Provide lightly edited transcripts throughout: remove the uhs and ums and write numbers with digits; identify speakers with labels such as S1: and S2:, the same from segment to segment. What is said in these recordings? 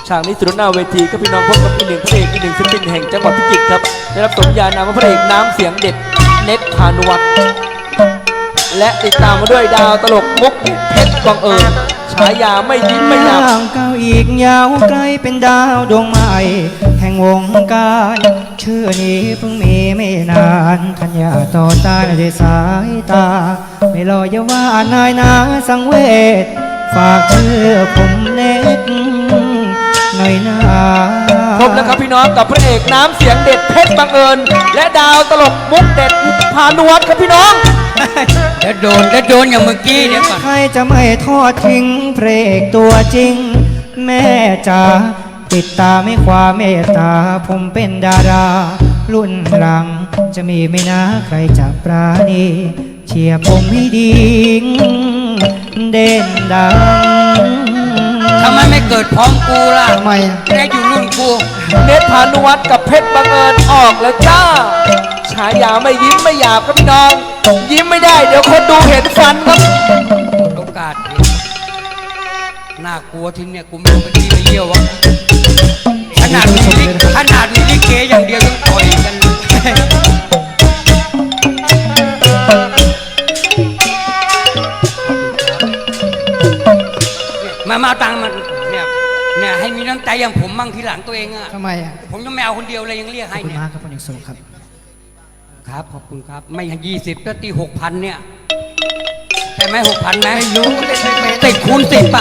S1: ฉากนี้สุดหน้าเวทีก็พี่น้องพบกับอีกหนึ่งพระเอกอีกหนึ่งศิลปินแห่งจังหวัดพิจิตรครับได้รับสมญานามว่าพระเอกน้ำเสียงเด็ดเน็ตพานุวัฒน์และติดตามมาด้วยดาวตลกมุกเพชรบังเอิญฉายาไม่ยิ้มไม่หยับ
S2: ก้าวอีกยาวไกลเป็นดาวดวงใหม่แห่งวงการชื่อนี้เพิ่งมีไม่นานทัญญาต่อตาด้วยสายตาไม่รออย่าว่านายนาสังเวชฝากชื่อผมเน็ตหน่อยนะ
S1: พบแล้วครับพี่น้องกับพระเอกน้ำเสียงเด็ดเพชรบังเอิญและดาวตลกมุกเด็ดพานุวัฒน์ครับพี่น้อง
S3: แล้วโดนอย่างเมื่อกี้เนี่ยก่อน
S2: ใครจะไม่ทอดทิ้งพระเอกตัวจริงแม่จ๋าติดตามให้ความเมตตาผมเป็นดารารุ่นหลังจะมีไม่นะใครจะปราณีเชียร์ผมให้ดีเด่นดัง
S3: ทำไมไม่เกิดพร้อมกูล่ะ
S2: ทำไม
S3: แกอยู่รุ่นกู
S1: เน็ตพานุวัฒน์กับเพชรบังเอิญออกแล้วจ้าฉายาไม่ยิ้มไม่หยาบครับพี่น้องยิ้มไม่ได้เดี๋ยวคนดูเห็นฟันครับ
S3: โอกาสน่ากลัวทีเนี่ยกูไม่รู้ไปที่ไปเยี่ยววะขนาดมีลิเกอย่างเดียวยังต่อยกันมาตังมันเนี่ยให้มีน้ำใจอย่างผมมั่งทีหลังตัวเองอ่ะ
S2: ทำไมอ่ะ
S3: ผมจะไม่เอาคนเดียวเลยยังเรียกให้เนี่ย
S2: ขอบคุณมากครับคุณเอกสุครับ
S3: ครับขอบคุณครับไม่20ก็ตี6,000เนี่ยใช่ไหม6,000ไหมไม่รู้ติดคูณ10ป่ะ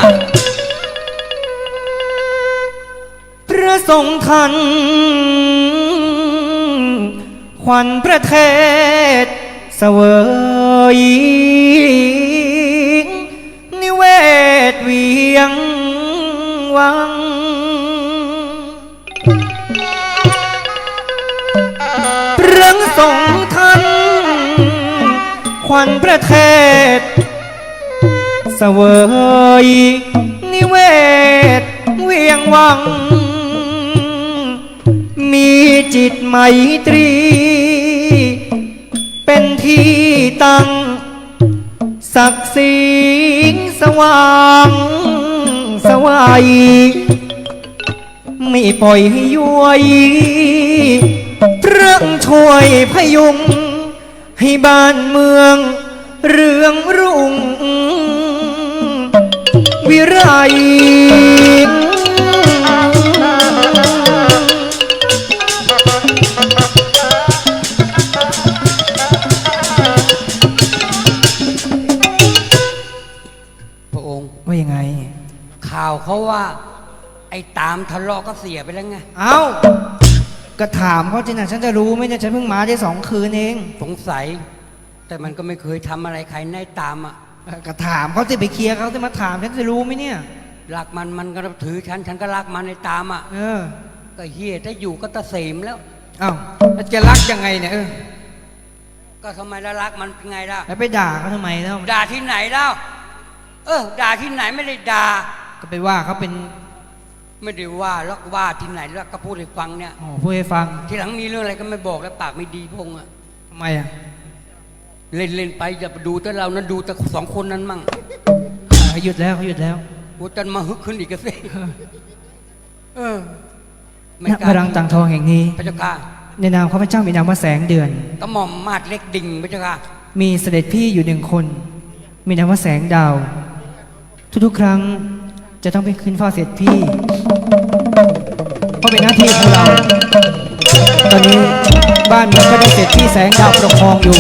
S2: พระทรงทันขวัญประเทศเสวยนิเวศเวียงวังพระทรงทันขวัญประเทศเสวยนิเวศเวียงวังมีจิตไมตรีเป็นที่ตั้งศักดิ์ศรีสว่างสวายไม่ปล่อยให้ย้วยพระช่วยพยุงให้บ้านเมืองเรืองรุ่งวิไล
S3: พระองค์
S2: ว่ายังไง
S3: ข่าวเขาว่าไอ้ตามทะเลาะก็เสียไปแล้วไง
S2: เอ้าก็ถามเขาจริงนะฉันจะรู้ไหมเนี่ยฉันเพิ่งมาได้2 คืนเอง
S3: สงสัยแต่มันก็ไม่เคยทำอะไรใครในตามอ่ะ
S2: ก็ถามเขาจะไปเคลียร์เขาจะมาถามฉันจะรู้ไหมเนี่ย
S3: รักมันก็ถือฉันก็รักมันในตามอ่ะก็เฮียถ้าอยู่ก็ตะเสมแล้ว
S2: เอ้าแล้วจะรักยังไงเนี่ย
S3: ก็ทำไมแล้วรักมันเป็นไงล่ะ
S2: แล้วไปด่าเขาทำไมแล้ว
S3: ด่าที่ไหนแล้วด่าที่ไหนไม่ได้ด่า
S2: ก็ไปว่าเขาเป็น
S3: ไม่ได้ว่าแล้วว่าที่ไหนแล้วก็พูดให้ฟังเนี่ย
S2: พูดให้ฟัง
S3: ทีหลังมีเรื่องอะไรก็ไม่บอกแล้วปากไม่ดีพงอ่ะ
S2: ทำไมอ่ะ
S3: เล่นไปอย่าไปดูแต่เรานั้นดูแต่2 คนนั้นมั่ง
S2: เขาหยุดแล้ว
S3: กูจะมาฮึกขึ้นอีกก็สิ
S2: ณพระรังต่างทองแห่งนี้
S3: พระเจ้าค่ะ
S2: ในนามข้าพเจ้ามีนามว่าแสงเดือน
S3: กระหม่อมมาดเล็กดิ่งพระเจ้าค่ะ
S2: มีเสด็จพี่อยู่1 คนมีนามว่าแสงดาวทุกๆครั้งจะต้องไปขึ้นเฝ้าเสด็จพี่เพราะเป็นหน้าที่ของเราตอนนี้บ้านเมืองก็ได้เสด็จพี่แสงดาวปกครองอยู่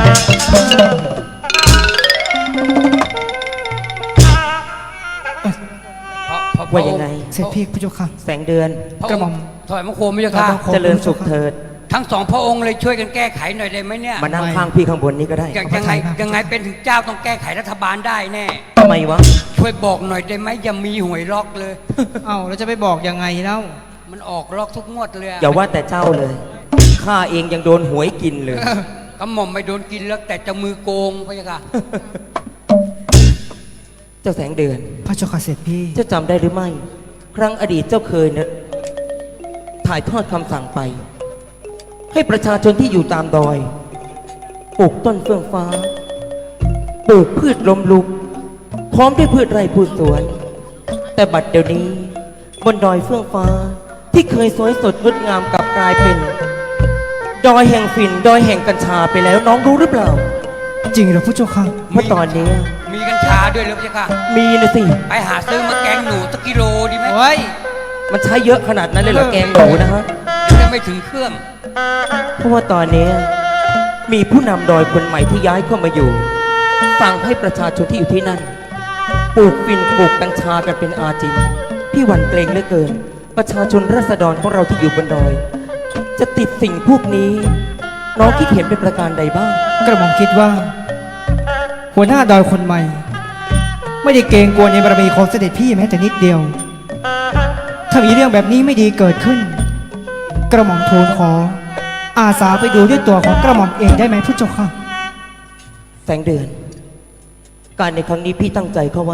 S1: ว่ายังไง
S2: เสด็จพี่พระเจ้าค่ะ
S1: แสงเดือน
S2: กระหม่อม
S3: ถอยมาโคมพระเจ้าค่ะ
S1: เจริญสุขเถิด
S3: ทั้ง2 พระองค์เลยช่วยกันแก้ไขหน่อยได้ไหมเนี่ย
S1: มานั่งข้างพี่ข้างบนนี้ก็ได้
S3: ยังไงเป็นถึงเจ้าต้องแก้ไขรัฐบาลได้แน่
S1: ทำไมวะ
S3: ช่วยบอกหน่อยได้ไหมอย่ามีหวยล็อกเลย
S2: เอ้าเราจะไปบอกยังไงเล่า
S3: มันออกล็อกทุกงวดเลย
S1: อย่าว่าแต่เจ้าเลยข้าเองยังโดนหวยกินเลย
S3: กระหม่อมไม่โดนกินแล้วแต่จะมือโกงพระเจ้าค่ะ
S1: เจ้าแสงเดือน
S2: พระเจ้าค่ะเสด็จพี่
S1: เจ้าจำได้หรือไม่ครั้งอดีตเจ้าเคยเนี่ยถ่ายทอดคำสั่งไปให้ประชาชนที่อยู่ตามดอยปลูกต้นเฟื่องฟ้าปลูกพืชลมลุกพร้อมด้วยพืชไร่พืชสวนแต่บัดเดี๋ยวนี้บนดอยเฟื่องฟ้า ที่เคยสวยสดงดงามกลับกลายเป็น ดอยแห่งฝิ่นดอยแห่งกัญชาไปแล้วน้องรู้หรือเปล่า
S2: จริงเหรอพระเจ้าค่ะ
S1: เพราะตอนนี้
S3: มีกัญชาด้วยเหรือพี่ค่ะ
S1: มีนะสิ
S3: ไปหาซื้อมาแกงหนูสักกิโลดีไหม
S2: เฮ้ย
S1: มันใช้เยอะขนาดนั้นเลยเหรอแกงหนูนะฮะ
S3: จะไม่ถึงเครื่อง
S1: เพราะว่าตอนนี้มีผู้นำดอยคนใหม่ที่ย้ายเข้ามาอยู่สั่งให้ประชาชนที่อยู่ที่นั่นปลูกฝิ่นปลูกกัญชากันเป็นอาจินพี่หวั่นเกรงเหลือเกิน ประชาชนราษฎรของเราที่อยู่บนดอย จะติดสิ่งพวกนี้ น้องคิดเห็นเป็นประการใดบ้าง
S2: กระหม่อมคิดว่า หัวหน้าดอยคนใหม่ ไม่ได้เกรงกลัวในบารมีของเสด็จพี่แม้แต่นิดเดียว ถ้ามีเรื่องแบบนี้ไม่ดีเกิดขึ้น กระหม่อมทูลขอ อาสาไปดูด้วยตัวของกระหม่อมเองได้ไหมพระเจ้าค่ะ
S1: แสงเดือน การในครั้งนี้พี่ตั้งใจเข้าไว้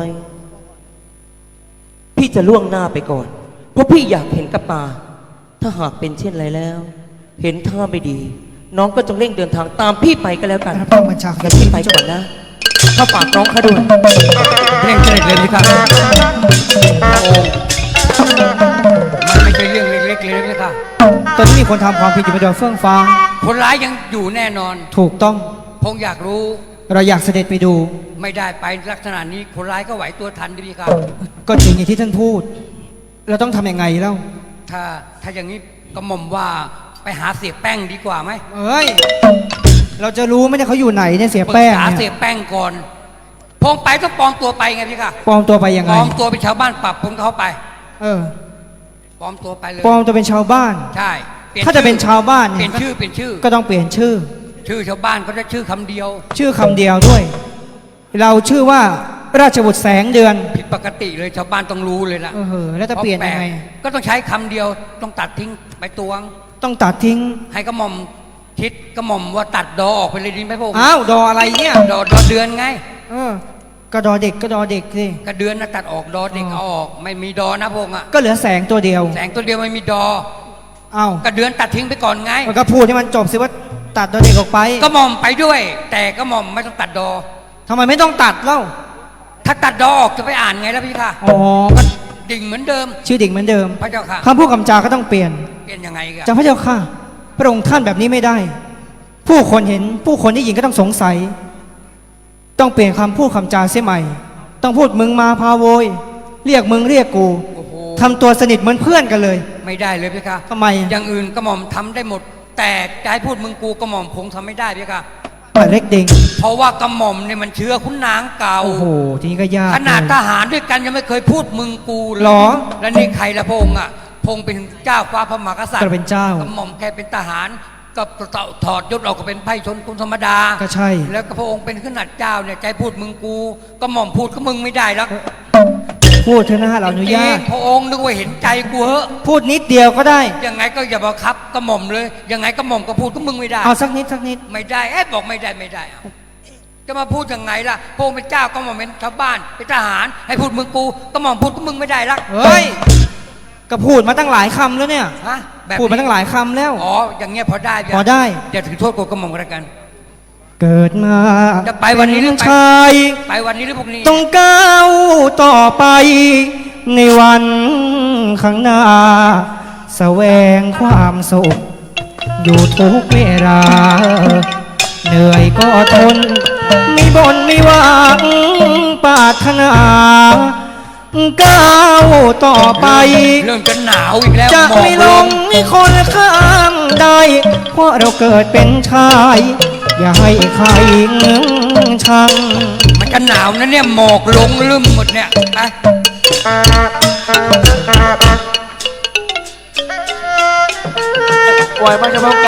S1: พี่จะล่วงหน้าไปก่อน เพราะพี่อยากเห็นกับตา ถ้าหากเป็นเช่นไรแล้ว เห็นท่าไม่ดี น้องก็จงเร่งเดินทางตามพี่ไปก็แล้วกัน
S2: รับรองบัญชา
S1: งั้นพี่ไปก่อนนะข้าฝากน้องเขาด้วย
S3: เร่งเสด็จเลยพี่ค่ะพระองค์มันไม่ใช่เรื่องเล็กๆเลยพี่ค่ะ
S2: ตอนนี้มีคนทำความผิดอยู่บนดอยเฟื่องฟ้า
S3: คนร้ายยังอยู่แน่นอน
S2: ถูกต้อง
S3: พงอยากรู้
S2: เราอยากเสด็จไปดู
S3: ไม่ได้ไปลักษณะนี้คนร้ายก็ไหวตัวทันดิพี่ค่ะ
S2: ก็จริงอย่างที่ท่านพูด เราต้องทำยังไงเล่า
S3: ถ้าอย่างนี้ก็หม่อมว่าไปหาเสียแป้งดีกว่าไหม
S2: เอ้ย เราจะรู้ไหมเนี่ยเขาอยู่ไหนเนี่ยเสีย
S3: ปรึก
S2: แป้ง
S3: ษาเสี
S2: เนี่ย
S3: ยแป้งก่อนพงไปต้องปลอมตัวไปไงพี่ค่ะ
S2: ปลอมตัวไปยัง
S3: ป
S2: ไง
S3: ลอมตัวเป็นชาวบ้านปรับผมเข้าไป
S2: เออ
S3: ปลอมตัวไปเลย
S2: ปลอมตัวเป็นชาวบ้าน
S3: ใช่ปลี่ย
S2: ถ้าจะเป็นชาวบ้าน
S3: เป
S2: เนี่
S3: ลี่
S2: ย
S3: ยนชื่อเปลี่ยนชื่อ
S2: ก็ต้องเปลี่ยนชื่อ
S3: ชื่อชาวบ้านเขาจะชื่อคำเดียว
S2: ชื่อคำเดียวด้วย เราชื่อว่าราชบุตรแสงเดือน
S3: ผิดปกติเลยชาวบ้านต้องรู้เลยล่ะ
S2: เออแล้วจะเปลี่ยนยังไง
S3: ก็ต้องใช้คำเดียวต้องตัดทิ้งไปตวง
S2: ต้องตัดทิ้ง
S3: ให้กระหม่อมคิดกระหม่อมว่าตัดดอออกไปเลยดีไหมพระองค์
S2: อ้าว ดออะไรเนี่ย
S3: ดอเดือนไง
S2: เออ ก็ดอเด็กก็ดอเด็กสิ
S3: กระเดือนนะตัดออกดอเด็ก
S2: อ๋อ
S3: เอาออกไม่มีดอนะพระองค์อะ
S2: ก็เหลือแสงตัวเดียว
S3: แสงตัวเดียวไม่มีดอ
S2: เอ้าก
S3: ระเดือนตัดทิ้งไปก่อนไง
S2: มันก็พูดให้มันจบสิว่าตัดดอเด็กออกไป
S3: กระหม่อมไปด้วย แต่กระหม่อมไม่ต้องตัดดอ
S2: ทำไมไม่ต้องตัดเล่า
S3: ถ้าตัดดอออกจะไปอ่านไงแล้วพี่ค่ะ
S2: อ๋อ
S3: ก็ดิ่งเหมือนเดิม
S2: ชื่อดิ่งเหมือนเดิม
S3: พระเจ้าค่ะ
S2: คำพูดคำจาก็ต้องเปลี่ยน
S3: เปลี่ยนยังไงกัน
S2: จากพระเจ้าค่ะ พระองค์ท่านแบบนี้ไม่ได้ ผู้คนเห็นผู้คนได้ยินก็ต้องสงสัย ต้องเปลี่ยนคำพูดคำจาเสียใหม่ ต้องพูดมึงมาพาโวย เรียกมึงเรียกกู
S3: โอ้โห
S2: ทำตัวสนิทเหมือนเพื่อนกันเลย
S3: ไม่ได้เลยพี่ค่ะ
S2: ทำไม
S3: อย่างอื่นกระหม่อมทำได้หมด แต่จะให้พูดมึงกูกระหม่อมคงทำไม่ได้พี่ค่ะ
S2: ป่าเล็กเด้ง
S3: เพราะว่ากระหม่อมเนี่ยมันเชื้อขุนนางเก่า
S2: โอ้โห ทีนี้ก็ยาก
S3: ขนาด
S2: เลย
S3: ทหารด้วยกันยังไม่เคยพูดมึงกูเลย
S2: หรอ
S3: แล้วนี่ใครละพระองค์อ่ะพระองค์เป็นเจ้าฟ้าพระมหากษัตริย์
S2: ก็เป็นเจ้า
S3: กระหม่อมแค่เป็นทหารก็ถอดยศออกก็เป็นไพร่ชนคนธรรมดา
S2: ก็ใช่
S3: แล้วก็พระองค์เป็นขนาดเจ้าเนี่ยใจพูดมึงกูก็หม่อมพูดก็มึงไม่ได้แล้ว
S2: พูดเถอะนะเราอนุญาต
S3: จริงๆพระองค์นึกว่าเห็นใจกูเหอะ
S2: พูดนิดเดียวก็ได้
S3: ยังไงก็อย่าบังคับกระหม่อมเลยยังไงกระหม่อมก็พูดก็มึงไม่ได้
S2: เอาสักนิดสักนิด
S3: ไม่ได้บอกไม่ได้ไม่ได้เอาจะมาพูดยังไงล่ะพระองค์เป็นเจ้าก็หม่อมเป็นชาวบ้านเป็นทหาร ให้พูดมึงกูก็หม่อมพูดก็มึงไม่ได้ละ
S2: เฮ้ย ก็พูดมาตั้งหลายคำแล้วเนี่ย
S3: ฮะแบบ
S2: พูดมาตั้งหลายคำแล้ว
S3: อ๋ออย่างเงี้ยพอได้
S2: พอได้
S3: อย่าถือโทษกูกระหม่อมก็แล้วกัน
S2: เกิดมา
S3: จะไปวันนี้หรือ
S2: เป็
S3: ไป
S2: ชาย
S3: ไปวันนี้หรือพรุ่งนี้
S2: ต้องก้าวต่อไป ในวันข้างหน้า แสวงความสุข อยู่ทุกเวลา เหนื่อยก็ทน ไม่บ่นไม่หวังปรารถนาก้าวต่อไป
S3: เริ่มจะหนาวอีกแล้ว
S2: จะ
S3: หมอก
S2: ไม่ลงมีคนข้างใด เพราะเราเกิดเป็นชาย อย่าให้ใครเงื้องชัง
S3: มันจะหนาวนะเนี่ยหมอกลงลืมหมดเนี่ยไป
S1: ปล่อยมันจะมา